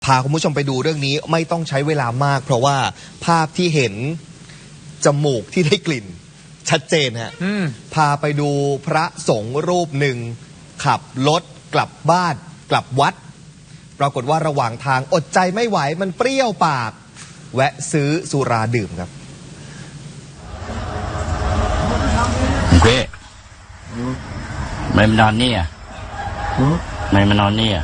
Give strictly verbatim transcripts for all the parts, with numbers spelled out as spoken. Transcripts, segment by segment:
พาคุณผู้ชมไปดูเรื่องนี้ไม่ต้องใช้เวลามากเพราะว่าภาพที่เห็นจมูกที่ได้กลิ่นชัดเจนฮะพาไปดูพระสงฆ์รูปหนึ่งขับรถกลับบ้านกลับวัดปรากฏว่าระหว่างทางอดใจไม่ไหวมันเปรี้ยวปากแวะซื้อสุราดื่มครับเว้ยไม่มานอนนี่อ่ะไม่มานอนนี่อ่ะ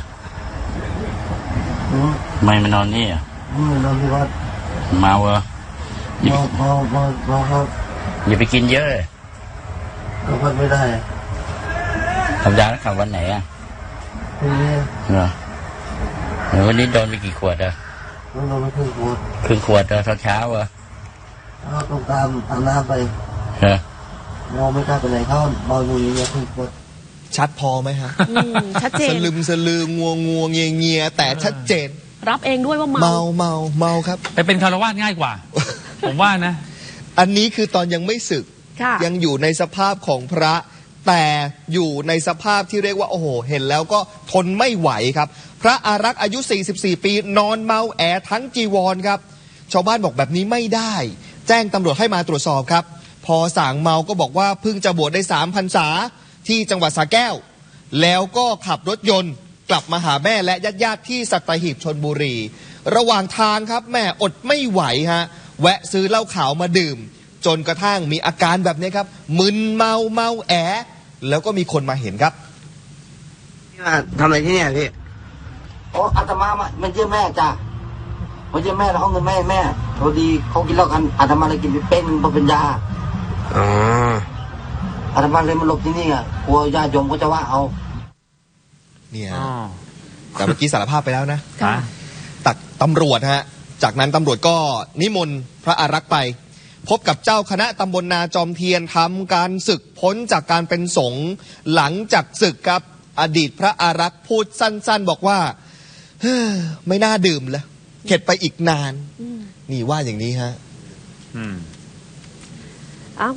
ไม่มานอนนี่อ่ะไม่นอนที่วัดเมาเหรอเมาเมาเมาเมาครับอย่าไปกินเยอะเลยก็พัดไม่ได้ธรรมดาแล้วขับวันไหนอ่ะวันนี้เหรอวันนี้โดนไปกี่ขวดอ่ะโดนไปครึ่งขวดครึ่งขวดตอนเช้าเหรอเขาต้องตามอาบน้ำไปเหรอเมาไม่กล้าไปไหนเขาเมาอยู่อย่างเงี้ยครึ่งขวดชัดพอไหมฮะชัดเจนสลืมสลืองัวงัวเงียเงียแต่ชัดเจนรับเองด้วยว่าเมาเมาเมาเมาครับแต่เป็นคารวะง่ายกว่า ผมว่านะอันนี้คือตอนยังไม่สึกยังอยู่ในสภาพของพระแต่อยู่ในสภาพที่เรียกว่าโอ้โหเห็นแล้วก็ทนไม่ไหวครับพระอารักษ์อายุสี่สิบสี่ปีนอนเมาแอทั้งจีวรครับชาวบ้านบอกแบบนี้ไม่ได้แจ้งตำรวจให้มาตรวจสอบครับพอส่างเมาก็บอกว่าเพิ่งจะบวชได้สามพรรษาที่จังหวัดสระแก้วแล้วก็ขับรถยนต์กลับมาหาแม่และญาติๆที่สัตหีบชลบุรีระหว่างทางครับแม่อดไม่ไหวฮะแวะซื้อเหล้าขาวมาดื่มจนกระทั่งมีอาการแบบนี้ครับมึนเมาเมาแอแล้วก็มีคนมาเห็นครับพี่มาทำอะไรที่เนี่ยพี่โอ้อาตมามันเยี่ยมแม่จ้ะมันเยี่ยมแม่แล้วเขาเงินแม่แม่พอดีเขากินเหล้ากันอาตมาเลยกินไปเป็นพอเป็นยาอ๋ออาตมาเลยมาหลบที่นี่อ่ะกลัวญาติโยมก็จะว่าเอาเนี่ยแต่เมื่อกี้สารภาพไปแล้วนะตักตำรวจฮะจากนั้นตำรวจก็นิมนต์พระอารักษ์ไปพบกับเจ้าคณะตำบลนาจอมเทียนทำการศึกพ้นจากการเป็นสงฆ์หลังจากศึกครับอดีตพระอารักษ์พูดสั้นๆบอกว่าเฮ้อไม่น่าดื่มแล้วเข็ดไปอีกนานนี่ว่าอย่างนี้ฮะ